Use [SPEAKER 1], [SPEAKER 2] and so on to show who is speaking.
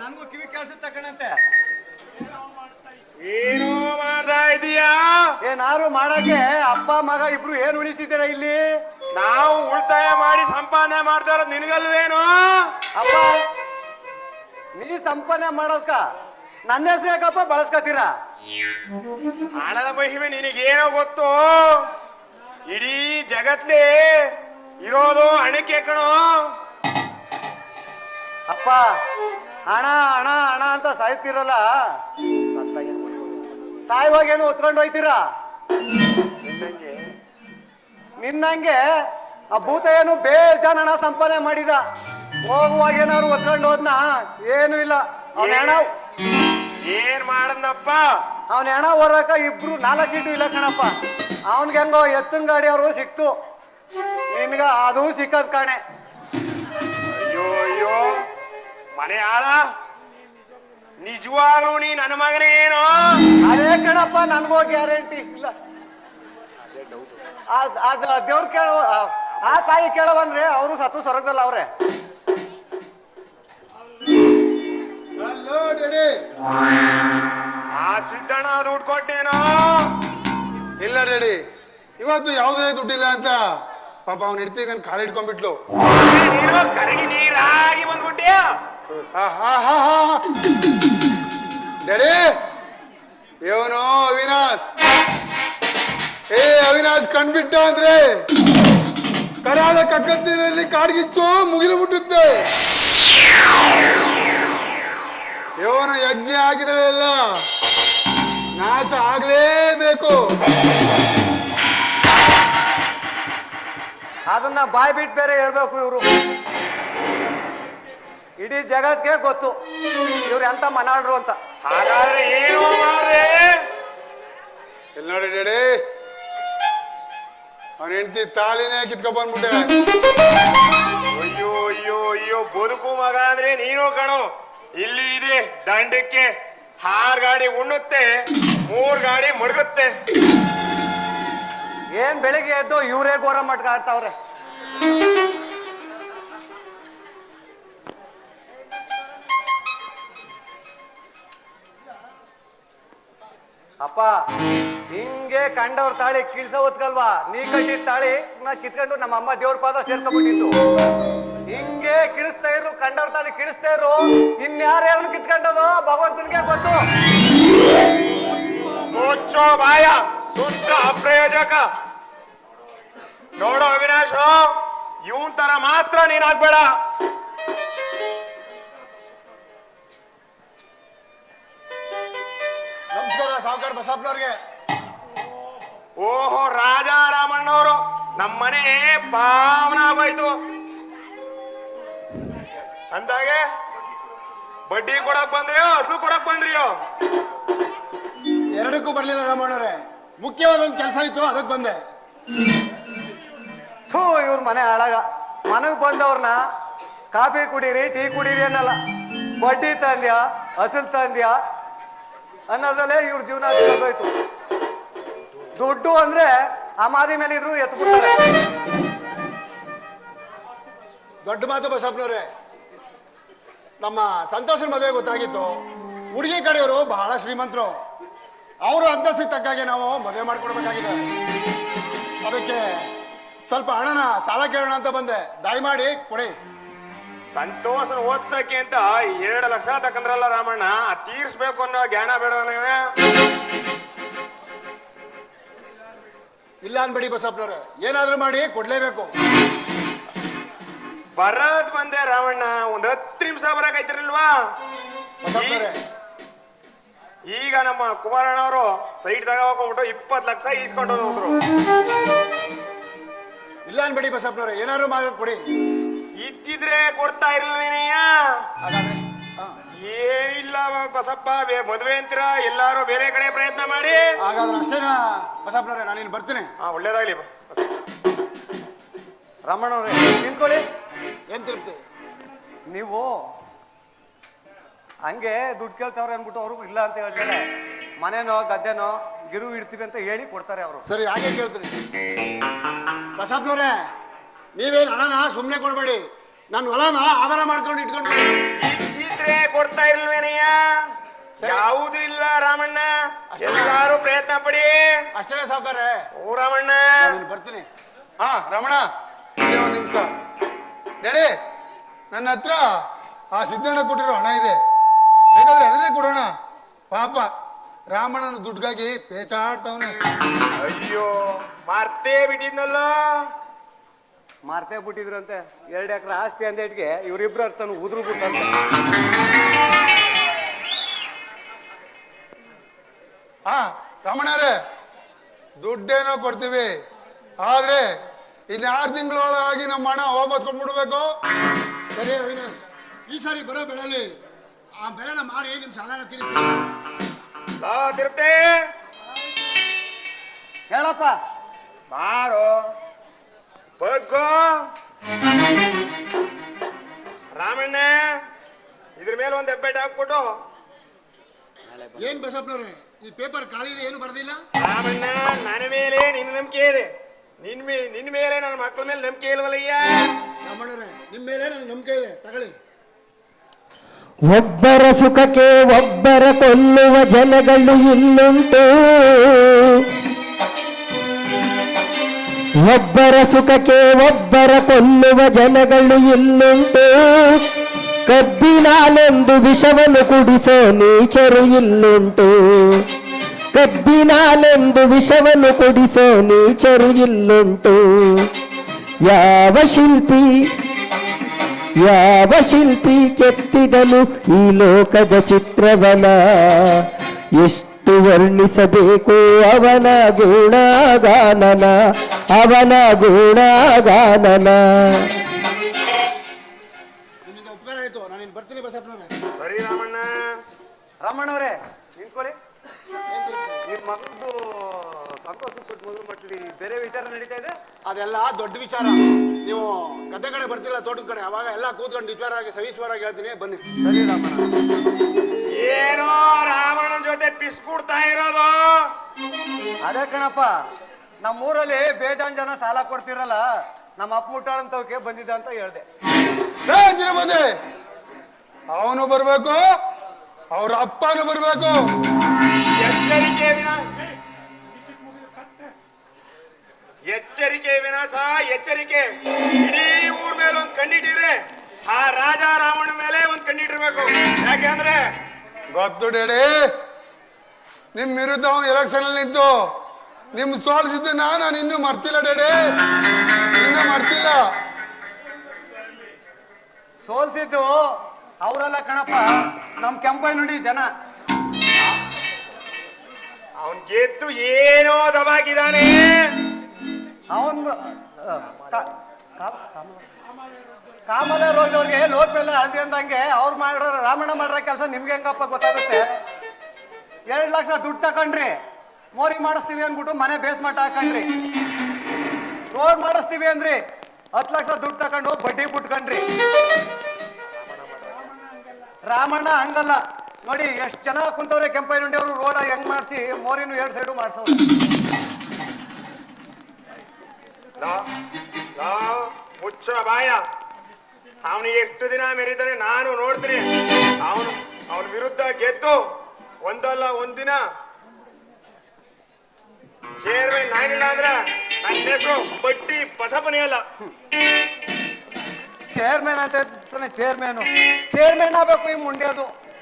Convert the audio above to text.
[SPEAKER 1] ನನ್ಗೂ ಕಿವಿ ಕೇಳಿಸುತ್ತೆ ಕಣಂತೆ.
[SPEAKER 2] ಏನು ಮಾಡ್ತಾ ಇದೀಯಾ?
[SPEAKER 1] ಏನಾರು ಮಾಡಕ್ಕೆ ಅಪ್ಪ ಮಗ ಇಬ್ರು ಏನ್ ಉಳಿಸಿದ್ದೀರ ಇಲ್ಲಿ?
[SPEAKER 2] ನಾವು ಉಳಿತಾಯ ಮಾಡಿ ಸಂಪಾದನೆ ಮಾಡ್ತಾ ಇರೋದು ನಿನಗಲ್ವೇನು?
[SPEAKER 1] ಅಪ್ಪ ನೀ ಸಂಪಾದನೆ ಮಾಡೋದ್ಕ ನನ್ನ ಹೆಸರು ಯಾಕಪ್ಪ ಬಳಸ್ಕೊತೀರಾ?
[SPEAKER 2] ಹಣದ ಮಹಿಮೆ ನಿನಗೇನೋ ಗೊತ್ತು? ಇಡೀ ಜಗತ್ಲಿ ಇರೋದು ಹಣಕ್ಕೆ ಕಣೋ.
[SPEAKER 1] ಅಪ್ಪ ಹಣ ಹಣ ಹಣ ಅಂತ ಸಾಯ್ತಿರಲ್ಲ, ಸಾಯುವಾಗೇನು ಹೊತ್ಕೊಂಡು ಹೋಯ್ತೀರಾ? ನಿನ್ನಂಗೆ ಆ ಭೂತ ಏನು ಬೇಜಾನ್ ಹಣ ಸಂಪಾದನೆ ಮಾಡಿದ, ಹೋಗುವಾಗ ಏನಾದ್ರು ಹೊತ್ಕೊಂಡು ಹೋದ್ನ? ಏನು ಇಲ್ಲ. ಅವನ ಹಣ
[SPEAKER 2] ಏನ್ ಮಾಡಂದಪ್ಪ?
[SPEAKER 1] ಅವನ ಹಣ ಹೊರಕ ಇಬ್ರು 4 ಸೀಟು ಇಲ್ಲ ಕಣಪ್ಪ. ಅವನ್ಗೆ ಹೆಂಗೋ ಎತ್ತಿನ ಗಾಡಿ ಅವರು ಸಿಕ್ತು, ನಿನ್ಗ ಅದು ಸಿಕ್ಕದ್ ಕಾಣೆ.
[SPEAKER 2] ಅಯ್ಯೋ ಅಯ್ಯೋ ಮನೆ ಆಳ, ನಿಜವಾಗ್ಲೂ ನೀ ನನ್ನ ಮಗನೇ ಏನೋ?
[SPEAKER 1] ಅದೇ ಕಣಪ್ಪ, ನನ್ಗೋ ಗ್ಯಾರಂಟಿ ಇಲ್ಲ. ದೇವ್ರ ಕೇಳೋ ಆ ತಾಯಿ ಕೇಳೋ ಬಂದ್ರೆ ಅವರು ಸತ್ತು ಸ್ವರ್ಗದಲ್ಲ ಅವ್ರೆ.
[SPEAKER 2] ಆ ಸಿದ್ದಣ್ಣ ದುಡ್ಡು ಕೊಟ್ಟೇನೋ?
[SPEAKER 3] ಇಲ್ಲ ಡ್ಯಾಡಿ, ಇವತ್ತು ಯಾವುದೇ ದುಡ್ಡಿಲ್ಲ ಅಂತ ಪಾಪ ಅವ್ನ ಹೆಂಡತಿ ನನ್ ಕಾಲು ಹಿಡ್ಕೊಂಡ್ಬಿಟ್ಲು.
[SPEAKER 2] ನೀನು ಕರಗಿ ನೀರಾಗಿ ಬಂದ್ಬಿಟ್ಟಿಯ.
[SPEAKER 3] ಡ್ಯಾಡಿ, ಇವನು ಅವಿನಾಶ್. ಅವಿನಾಶ್ ಕಂಡ್ಬಿಟ್ಟ ಅಂದ್ರೆ ಕರಾಳ ಕಕ್ಕತ್ತಿನಲ್ಲಿ ಕಾಡ್ಗಿಚ್ಚು ಮುಗಿಲು ಮುಟ್ಟುತ್ತೆ. ಇವನ ಯಜ್ಞೆ ಆಗಿದ್ರೆ ಎಲ್ಲ ನಾಶ ಆಗ್ಲೇಬೇಕು.
[SPEAKER 1] ಅದನ್ನ ಬಾಯ್ ಬಿಟ್ಟು ಬೇರೆ ಹೇಳ್ಬೇಕು ಇವರು. ಇಡೀ ಜಗತ್ಗೆ ಗೊತ್ತು ಇವ್ರು ಎಂತ ಮನಾಳ್ರು ಅಂತ.
[SPEAKER 2] ಹಾಗಾದ್ರೆ ಏನು ಮಾಡ್ರೆ?
[SPEAKER 3] ಇಲ್ಲಿ ನೋಡಿ ಡ್ಯಾಡಿ, ಅವನ ಹೆಂಡತಿ ತಾಳಿನೇ ಕಿತ್ಕೊಂಡ್ ಬಂದ್ಬಿಟ್ಟೆ.
[SPEAKER 2] ಅಯ್ಯೋ ಅಯ್ಯೋ ಅಯ್ಯೋ, ಬದುಕು ಮಗ ಅಂದ್ರೆ ನೀನು ಕಣೋ. ಇಲ್ಲಿ ಇದೆ ದಂಡಕ್ಕೆ 6 ಗಾಡಿ ಉಣ್ಣುತ್ತೆ, 3 ಗಾಡಿ ಮಡಗುತ್ತೆ.
[SPEAKER 1] ಏನ್ ಬೆಳಿಗ್ಗೆ ಎದ್ದು ಇವರೇ ಘೋರ ಮಟ್ಕ ಆಡ್ತಾವ್ರೆ. ಅಪ್ಪ ಹಿಂಗೆ ಕಂಡವ್ರ ತಾಳಿ ಕಿಳ್ಸ ಹೊತ್ಕಲ್ವಾ? ನೀ ಕಟ್ಟಿದ ತಾಳಿ ನಾ ಕಿತ್ಕೊಂಡು ನಮ್ಮ ಅಮ್ಮ ದೇವ್ರ ಪಾದ ಸೇರ್ಕೊಂಡ್ಬಿಟ್ಟಿತ್ತು. ಹಿಂಗೆ ಕಿಳಿಸ್ತಾ ಇರು, ಕಂಡವ್ರ ತಾಳಿ ಕಿಳಿಸ್ತಾ ಇರು. ಇನ್ಯಾರ್ಯಾರನ್ನ ಕಿತ್ಕೊಂಡದು ಭಗವಂತನಿಗೆ ಗೊತ್ತು.
[SPEAKER 2] ಮುಚ್ಚೋ ಬಾಯ, ಸುತ್ತ ಅಪ್ರಯೋಜಕ. ನೋಡೋ ಅವಿನಾಶ್, ಇವನ್ ತರ ಮಾತ್ರ ನೀನಾಗ್ಬೇಡ.
[SPEAKER 3] ನಮಸ್ಕಾರ ಸಾವುಕಾರ ಬಸಪ್ಪನವ್ರಿಗೆ.
[SPEAKER 2] ಓಹೋ, ರಾಜ ರಾಮಣ್ಣವರು, ನಮ್ಮನೆ ಪಾವನ ಆಗೋಯ್ತು ಅಂದಾಗೆ ಬಡ್ಡಿ ಕೊಡಕ್ ಬಂದ್ರಿಯೋ ಅಸಲು ಕೊಡಕ್ ಬಂದ್ರಿಯೋ?
[SPEAKER 3] ಎರಡಕ್ಕೂ ಬರ್ಲಿಲ್ಲ ರಾಮಣ್ಣವ್ರೆ, ಮುಖ್ಯವಾದ ಒಂದು ಕೆಲಸ ಇತ್ತು, ಅದಕ್ಕೆ ಬಂದೆ.
[SPEAKER 1] ಥೂ, ಇವ್ರ ಮನೆ ಹಾಳಾಗ. ಮನೆಗೆ ಬಂದವ್ರನ್ನ ಕಾಫಿ ಕುಡೀರಿ, ಟೀ ಕುಡೀರಿ ಅನ್ನಲ್ಲ, ಬಡ್ಡಿ ತಂದ್ಯಾ ಅಸಲು ತಂದ್ಯಾ ಅನ್ನೋದ್ರಲ್ಲೇ ಇವ್ರ ಜೀವನ ಹೋಯ್ತು. ದುಡ್ಡು ಅಂದ್ರೆ ಆ ಮಾದಿ ಮೇಲೆ ಇದ್ರು ಎತ್ಬಿಡ್ತಾರೆ.
[SPEAKER 3] ದೊಡ್ಡ ಮಾತು ಬಸಪ್ಪನವ್ರೆ. ನಮ್ಮ ಸಂತೋಷನ ಮದುವೆ ಗೊತ್ತಾಗಿತ್ತು. ಹುಡುಗಿ ಕಡೆಯವರು ಬಹಳ ಶ್ರೀಮಂತರು. ಅವರು ಅಂತಸ್ತಿಗೆ ತಕ್ಕಾಗೆ ನಾವು ಮದುವೆ ಮಾಡ್ಕೊಡ್ಬೇಕಾಗಿದೆ. ಅದಕ್ಕೆ ಸ್ವಲ್ಪ ಹಣನ ಸಾಲ ಕೇಳೋಣ ಅಂತ ಬಂದೆ. ದಯಮಾಡಿ ಕೊಡಿ.
[SPEAKER 2] ಸಂತೋಷನ ಓದ್ಸಕ್ಕೆ ಅಂತ 2 ಲಕ್ಷ ತಕಂದ್ರಲ್ಲ ರಾಮಣ್ಣ, ತೀರ್ಸ್ಬೇಕು ಅನ್ನೋ ಜ್ಞಾನ ಬೇಡ?
[SPEAKER 3] ಇಲ್ಲ ಅನ್ಬೇಡಿ ಬಸಪ್ಪನವ್ರೆ, ಏನಾದ್ರೂ ಮಾಡಿ ಕೊಡ್ಲೇಬೇಕು.
[SPEAKER 2] ಬರದ್ ಬಂದೆ ರಾಮಣ್ಣ, 10 ನಿಮಿಷ ಬರಕೈತಿರಲ್ವಾ?
[SPEAKER 3] ಬಸಪ್ಪನವ್ರೆ,
[SPEAKER 2] ಈಗ ನಮ್ಮ ಕುಮಾರಣ್ಣವರು ಸೈಟ್ ತಗೋಬಿಟ್ಟು 20 ಲಕ್ಷ ಈಸ್ಕೊಂಡು ಹೋದ್ರು.
[SPEAKER 3] ಇಲ್ಲ ಅನ್ಬೇಡಿ ಬಸಪ್ಪನವ್ರೆ, ಏನಾದ್ರು ಮಾಡಿ ಕೊಡಿ.
[SPEAKER 2] ಇದ್ದಿದ್ರೆ ಕೊಡ್ತಾ ಇರ್ಲಿಲ್ಲ.
[SPEAKER 3] ಹಾಗಾದ್ರೆ
[SPEAKER 2] ಏನಿಲ್ಲ ಬಸಪ್ಪ, ಮದುವೆ ಅಂತೀರಾ, ಎಲ್ಲಾರು ಬೇರೆ ಕಡೆ ಪ್ರಯತ್ನ ಮಾಡಿ.
[SPEAKER 3] ಹಾಗಾದ್ರೆ ಅಷ್ಟೇನಾ ಬಸಪ್ಪನವ್ರೆ, ನಾನು ಇಲ್ಲಿ ಬರ್ತೀನಿ.
[SPEAKER 2] ಒಳ್ಳೇದಾಗ್ಲಿ.
[SPEAKER 1] ರಮಣವ್ರೆ ನಿಂತ್ಕೊಳ್ಳಿ.
[SPEAKER 3] ಏನ್ ತಿರುಪ್ತಿ?
[SPEAKER 1] ನೀವು ಹಂಗೆ ದುಡ್ಡು ಕೇಳ್ತಾವ್ರೆ ಅಂದ್ಬಿಟ್ಟು ಅವ್ರಿಗೂ ಇಲ್ಲ ಅಂತ ಹೇಳ್ತಾರೆ. ಮನೆನೋ ಗದ್ದೆನೋ ಗಿರು ಇಡ್ತೀವಿ ಅಂತ ಹೇಳಿ ಕೊಡ್ತಾರೆ ಅವರು.
[SPEAKER 3] ಸರಿ, ಹಾಗೆ ಕೇಳ್ತೀನಿ. ಬಸಪ್ಪನವ್ರೆ, ನೀವೇನು ಹಣನ ಸುಮ್ಮನೆ ಕೊಡ್ಬೇಡಿ, ನನ್ನ ಹೊಲನ ಆಧಾರ ಮಾಡ್ಕೊಂಡು ಇಟ್ಕೊಂಡು
[SPEAKER 2] ಬಿಟ್ರೆ ಕೊಡ್ತಾ ಇರ್ಲ್ವೇನಯ್ಯ? ಯಾವುದು ಇಲ್ಲ ರಾಮಣ್ಣ, ಎಲ್ಲಾರು ಪ್ರಯತ್ನ ಪಡಿ.
[SPEAKER 3] ಅಷ್ಟೇ ಸಾವುಕಾರ್ರೆ.
[SPEAKER 2] ಓ ರಾಮಣ್ಣ,
[SPEAKER 3] ನಾನು ಬರ್ತೀನಿ. ಹಾ ರಮಣ, ಇದೇ ಒಂದು ನಿಮಿಷ. ಡ್ಯಾಡಿ, ನನ್ನ ಹತ್ರ ಆ ಸಿದ್ದಣ್ಣ ಕೊಟ್ಟಿರೋ ಹಣ ಇದೆ, ಬೇಕಾದ್ರೆ ಅದನ್ನೇ ಕೊಡೋಣ. ಪಾಪ ರಾಮಣ್ಣನ ದುಡ್ಗಾಗಿ ಪೇಚಾಡ್ತಾವನೆ.
[SPEAKER 2] ಅಯ್ಯೋ ಮರ್ತೇ ಬಿಟ್ಟಿದ್ನಲ್ಲ.
[SPEAKER 1] ಮಾರ್ತೇ ಬಿಟ್ಟಿದ್ರಂತೆ. 2 ಎಕರೆ ಆಸ್ತಿ ಅಂದೇಟ್ಗೆ ಇವರಿಬ್ರು ಅರ್ಥನು ಉದುರು ಬಿಟ್ಟಂತೆ.
[SPEAKER 3] ಹಾ ರಮಣರೇ, ದುಡ್ಡೇನೋ ಕೊಡ್ತೀವಿ, ಆದ್ರೆ ಇನ್ನು 6 ತಿಂಗಳೊಳಗಾಗಿ ನಮ್ಮ ಹಣ ವಾಪಸ್ ಕೊಟ್ಬಿಡ್ಬೇಕು. ಸರಿ ಅವಿನಾಶ್, ಈ ಸಾರಿ ಬರೋ ಬೆಳೆಲಿ ಆ ಬೆಳೆನ ಮಾರಿ ನಿಮ್ ಸಾಲನ ತೀರಿಸ್ತೀವಿ.
[SPEAKER 2] ತಿರುಪ್ತೆ
[SPEAKER 1] ಹೇಳಪ್ಪ.
[SPEAKER 2] ಬಾರೋ ಬಗ್ಗೋ. ರಾಮಣ್ಣ, ಇದ್ರ ಮೇಲೆ ಒಂದು ಹೆಬ್ಬೆಟ್ ಹಾಕ್ಬಿಟ್ಟು.
[SPEAKER 3] ಏನ್ ಬಸಪ್ಪನವ್ರೆ, ಈ ಪೇಪರ್ ಖಾಲಿ ಇದೆ, ಏನು ಬರ್ದಿಲ್ಲ?
[SPEAKER 2] ರಾಮಣ್ಣ, ನನ್ನ ಮೇಲೆ ನಿನ್ನ ನಂಬಿಕೆ ಇದೆ, ನಿನ್ನ ಮೇಲೆ ನನ್ನ ಮಕ್ಕಳ ಮೇಲೆ ನಂಬಿಕೆ ಇಲ್ವಲ್ಲಯ್ಯ.
[SPEAKER 3] ರಾಮಣ್ಣವ್ರೆ, ನಿಮ್ ಮೇಲೆ ನನಗೆ ನಂಬಿಕೆ ಇದೆ, ತಗೊಳ್ಳಿ.
[SPEAKER 4] ಒಬ್ಬರ ಸುಖಕ್ಕೆ ಒಬ್ಬರ ಕೊಲ್ಲುವ ಜನಗಳು ಇಲ್ಲುಂಟು. ಒಬ್ಬರ ಸುಖಕ್ಕೆ ಒಬ್ಬರ ಕೊಲ್ಲುವ ಜನಗಳು ಇಲ್ಲುಂಟು. ಕಬ್ಬಿನಾಲೆಂದು ವಿಷವನ್ನು ಕುಡಿಸೋ ನೀಚರು ಇಲ್ಲುಂಟು. ಕಬ್ಬಿನಾಲೆಂದು ವಿಷವನ್ನು ಕುಡಿಸೋ ನೀಚರು ಇಲ್ಲುಂಟು. ಯಾವ ಶಿಲ್ಪಿ ಕೆತ್ತಿದನು ಈ ಲೋಕದ ಚಿತ್ರವನ? ಎಷ್ಟು ವರ್ಣಿಸಬೇಕು ಅವನ ಗುಣಗಾನನ.
[SPEAKER 3] ನಿಮ್ಮಿಂದ ಉಪಕಾರ ಆಯ್ತು, ನಾನು ಇನ್ನು ಬರ್ತೀನಿ ಬಸಪ್ಪನವ್ರೆ.
[SPEAKER 2] ಸರಿ ರಾಮಣ್ಣ.
[SPEAKER 1] ರಾಮಣ್ಣವ್ರೆ ನಿಂತ್ಕೊಳ್ಳಿ. ನಿಮ್ಮ ಮಗದ್ದು ಸಂತೋಷ ಕೊಟ್ಟು ಮೊದಲು ಮಟ್ಲಿ ಬೇರೆ ವಿಚಾರ ನಡೀತಾ ಇದೆ.
[SPEAKER 3] ಅದೆಲ್ಲ ದೊಡ್ಡ ವಿಚಾರ. ನೀವು ಗದ್ದೆ ಕಡೆ ಬರ್ತಿಲ್ಲ, ತೋಟದ ಕಡೆ, ಅವಾಗ ಎಲ್ಲ ಕೂತ್ಕೊಂಡು ವಿಚಾರವಾಗಿ ಸವಿಸ್ವರಾಗಿ ಹೇಳ್ತೀನಿ, ಬನ್ನಿ.
[SPEAKER 1] ಸರಿ ರಾಮಣ್ಣ.
[SPEAKER 2] ಏನೋ ರಾಮಣ್ಣನ ಜೊತೆ ಪಿಸ್ಕೂಡ್ತಾ ಇರೋದು.
[SPEAKER 1] ಅದೇ ಕಣಪ್ಪ, ನಮ್ಮೂರಲ್ಲಿ ಬೇಜಾನ್ ಜನ ಸಾಲ ಕೊಡ್ತಿರಲ್ಲ, ನಮ್ಮ ಅಪ್ಪ ಮುಟ್ಟಾಳಂತವಕ್ಕೆ ಬಂದಿದ್ದ ಅಂತ ಹೇಳ್ದೆ.
[SPEAKER 3] ಬಂದೆ, ಅವನು ಬರ್ಬೇಕು, ಅವ್ರ ಅಪ್ಪನು ಬರ್ಬೇಕು.
[SPEAKER 2] ಎಚ್ಚರಿಕೆ ವಿನಾಶ, ಎಚ್ಚರಿಕೆ. ಇಡೀ ಊರ್ ಮೇಲೆ ಒಂದ್ ಕಣ್ಣಿಟ್ಟಿದ್ರೆ ಆ ರಾಜ ರಾಮಣ್ಣ ಮೇಲೆ ಒಂದ್ ಕಣ್ಣಿಟ್ಟಿರ್ಬೇಕು. ಯಾಕೆಂದ್ರೆ
[SPEAKER 3] ಗೊತ್ತು ಡೇಡಿ, ನಿಮ್ ವಿರುದ್ಧ ಅವನು ಎಲೆಕ್ಷನ್ ಅಲ್ಲಿ ನಿಂತು ನಿಮ್ ಸೋಲಿಸಿದ್ದು ನಾನು ಇನ್ನೂ ಮರ್ತಿಲ್ಲ ಡೇಡಿ, ಇನ್ನೂ ಮರ್ತಿಲ್ಲ.
[SPEAKER 1] ಸೋಲ್ಸಿದ್ದು ಅವರೆಲ್ಲ ಕಣಪ್ಪ, ನಮ್ ಕೆಂಪೈ ನುಡಿ ಜನ.
[SPEAKER 2] ಅವನ್ ಗೆದ್ದು ಏನೋ ದಬಾಕಿದಾನೆ.
[SPEAKER 1] ಅವನ್ ಕಾಮಲ ರೋಜ್ ಅವ್ರಿಗೆ ಲೋಟ್ ಮೇಲೆ ಅಳ್ದಿ ಅಂದಂಗೆ ಅವ್ರು ಮಾಡೋ ರಾಮಣ್ಣ ಮಾಡ್ರ ಕೆಲಸ ನಿಮ್ಗೆ ಹೆಂಗಪ್ಪ ಗೊತ್ತಾಗುತ್ತೆ? 2 ಲಕ್ಷ ದುಡ್ಡು ತಕೊಂಡ್ರಿ, ಮೋರಿ ಮಾಡಿಸ್ತೀವಿ ಅಂದ್ಬಿಟ್ಟು ಮನೆ ಬೇಸ್ಮಟ್ಟ ಹಾಕೊಂಡ್ರಿ. ರೋಡ್ ಮಾಡಿಸ್ತೀವಿ ಅಂದ್ರಿ, 10 ಲಕ್ಷ ದುಡ್ಡು ತಕೊಂಡು ಬಡ್ಡಿ ಬಿಟ್ಕೊಂಡ್ರಿ. ರಾಮಣ್ಣ ಹಂಗಲ್ಲ ನೋಡಿ, ಎಷ್ಟು ಜನ ಕುಂತವ್ರೆ ಕೆಂಪೈನುಂಡಿ ಅವರು. ರೋಡ್ ಹೆಂಗ್ ಮಾಡಿಸಿ ಮೋರಿನು 2 ಸೈಡು ಮಾಡ್ಸೋರು.
[SPEAKER 2] ಮುಚ್ಚ ಬಾಯ. ಅವನಿಗೆ ಎಷ್ಟು ದಿನ ಮೆರೀತಾನೆ ನಾನು ನೋಡ್ತೀನಿ. ಅವನ ವಿರುದ್ಧ ಗೆದ್ದು ಒಂದಲ್ಲ ಒಂದಿನ ಚೇರ್ಮನ್ ನಾನಿಲ್ಲ ಅಂದ್ರೆ ನನ್ನ ಹೆಸರು ಬಡ್ಡಿ ಬಸಪ್ಪನೇ ಅಲ್ಲ.
[SPEAKER 1] ಚೇರ್ಮನ್ ಅಂತ ಚೇರ್ಮನ್ ಆಗ್ಬೇಕು ಈ ಮುಂಡ್ಯದು.